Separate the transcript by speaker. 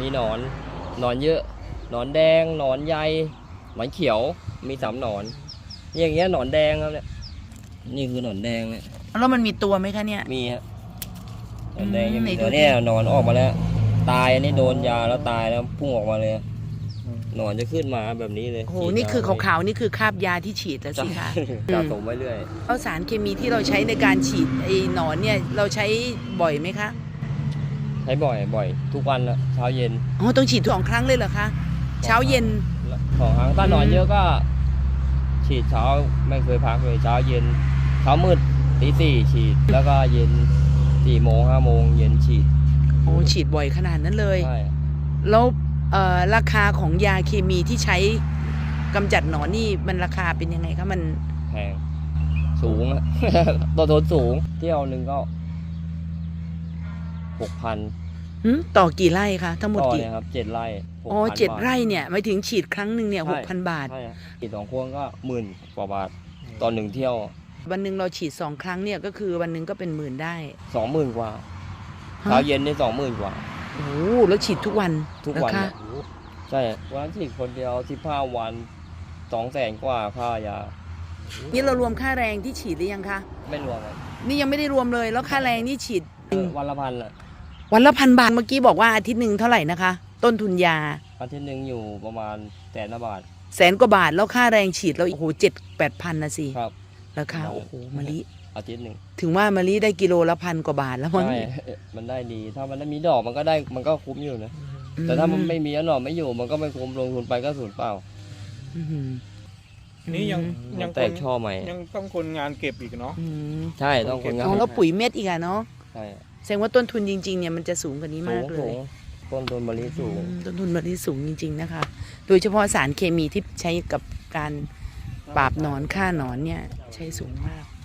Speaker 1: มีหนอนเยอะหนอนแดงหนอนใยหนอนเขียวมี3หนอนอย่างเงี้ยหนอนแดงครับเนี่ยนี่คือหนอนแดงเนี่ย
Speaker 2: แล้วมันมีตัวไหมคะเนี่ย
Speaker 1: มีฮะหนอนแดงยังมี
Speaker 2: ไหน
Speaker 1: ตัว
Speaker 2: ดูดิ
Speaker 1: เนี่ยหนอนออกมาแล้วตายอันนี้โดนยาแล้วตายแล้วพุ่งออกมาเลยหนอนจะขึ้นมาแบบนี้เลย
Speaker 2: โอ้โหนี่คือขาวๆนี่คือคราบยาที่ฉีดแล้วสิคะ
Speaker 1: สะสมไว้เรื่อย
Speaker 2: แล้วสารเคมีที่เราใช้ในการฉีดไอ้หนอนเนี่ยเราใช้บ่อยไหมคะ
Speaker 1: ใช้บ่อยทุกวันละเช้าเย็น
Speaker 2: อ๋อต้องฉีด2 ครั้งเลยเหรอคะเช้าเย็น
Speaker 1: 2 ครั้งถ้าหนอนเยอะก็ฉีดเช้าไม่เคยพักเลยเช้าเย็นเช้ามืดตี 4ฉีดแล้วก็เย็น4 โมง 5 โมงเย็นฉีด
Speaker 2: โอ้ฉีดบ่อยขนาดนั้นเลย
Speaker 1: ใช่
Speaker 2: แล้วราคาของยาเคมีที่ใช้กำจัดหนอนนี่มันราคาเป็นยังไงคะมัน
Speaker 1: แพงสูงอะ ต้นทุนสูงเที่ยวหนึ่งก็ 6,000
Speaker 2: ต่อกี่ไร่คะทั้งหมด
Speaker 1: ต่อ
Speaker 2: กี่
Speaker 1: เนี่ยครับ7 ไร่
Speaker 2: อ๋อ
Speaker 1: 6,000
Speaker 2: 7
Speaker 1: บาท
Speaker 2: ไร่เนี่ยหมายถึงฉีดครั้งหนึ่งเนี่ย
Speaker 1: ใช่
Speaker 2: 6,000 บาท
Speaker 1: ใช่ครับฉีด2 ควงก็10,000 กว่าบาทต่อ1 เที่ยว
Speaker 2: วันหนึ่งเราฉีด2 ครั้งเนี่ยก็คือวันหนึ่งก็เป็น10,000ได้
Speaker 1: 20,000 กว่า
Speaker 2: ฮะ
Speaker 1: เช้าเย็นนี่20,000 กว่า
Speaker 2: โอ้โหแล้วฉีดทุกวัน
Speaker 1: ทุกวัน
Speaker 2: เหรอ
Speaker 1: อะ
Speaker 2: คะ
Speaker 1: ใช่วันนั้นฉีดคนเดียว15 วัน200,000 กว่าค่ายา
Speaker 2: นี่เรารวมค่าแรงที่ฉีดหรือยังคะ
Speaker 1: ไม่รวมครับ
Speaker 2: นี่ยังไม่ได้รวมเลยแล้วค่าแรงนี่ฉีด
Speaker 1: วันละพันอะ
Speaker 2: วันละ1,000 บาทเมื่อกี้บอกว่าอาทิตย์หนึ่งเท่าไหร่นะคะ ต้นทุนยา
Speaker 1: อาทิตย์หนึ่งอยู่ประมาณ100,000 บาท
Speaker 2: 100,000 กว่าบาทแล้วค่าแรงฉีดเราโอ้โห7-8,000นะสิ
Speaker 1: ครับ
Speaker 2: ราคาโอ้โหมะลิ
Speaker 1: อาทิตย์หนึ่ง
Speaker 2: ถึงว่ามะลิได้กิโลละ1,000 กว่าบาทแล้วมั้ง
Speaker 1: ใช่มันได้ดี ถ้ามันได้มีดอกมันก็ได้มันก็คุ้มอยู่นะ แต่ถ้ามันไม่มีแล้วหน่อไม่อยู่มันก็ไม่คุ้มลงทุนไปก็สูญเปล่า
Speaker 2: อืม
Speaker 3: นี่ยัง
Speaker 1: แตกช่อใหม่
Speaker 3: ยังต้องคนงานเก็บอีกเนาะ
Speaker 2: อืม
Speaker 1: ใช่ต้องคนงาน
Speaker 2: อ๋อแล้วปุ๋ยเม็ดอีกอะเนาะ
Speaker 1: ใช่
Speaker 2: แสดงว่าต้นทุนจริงๆเนี่ยมันจะสูงกว่านี้
Speaker 1: สู
Speaker 2: มาก
Speaker 1: ง
Speaker 2: เล
Speaker 1: สู
Speaker 2: ย
Speaker 1: งต้นทุนมะลิสูง
Speaker 2: ต้นทุนมะลิสูงจริง ๆนะคะ โดยเฉพาะสารเคมีที่ใช้กับการปราบหนอนฆ่าหนอนเนี่ยใช้สูงมาก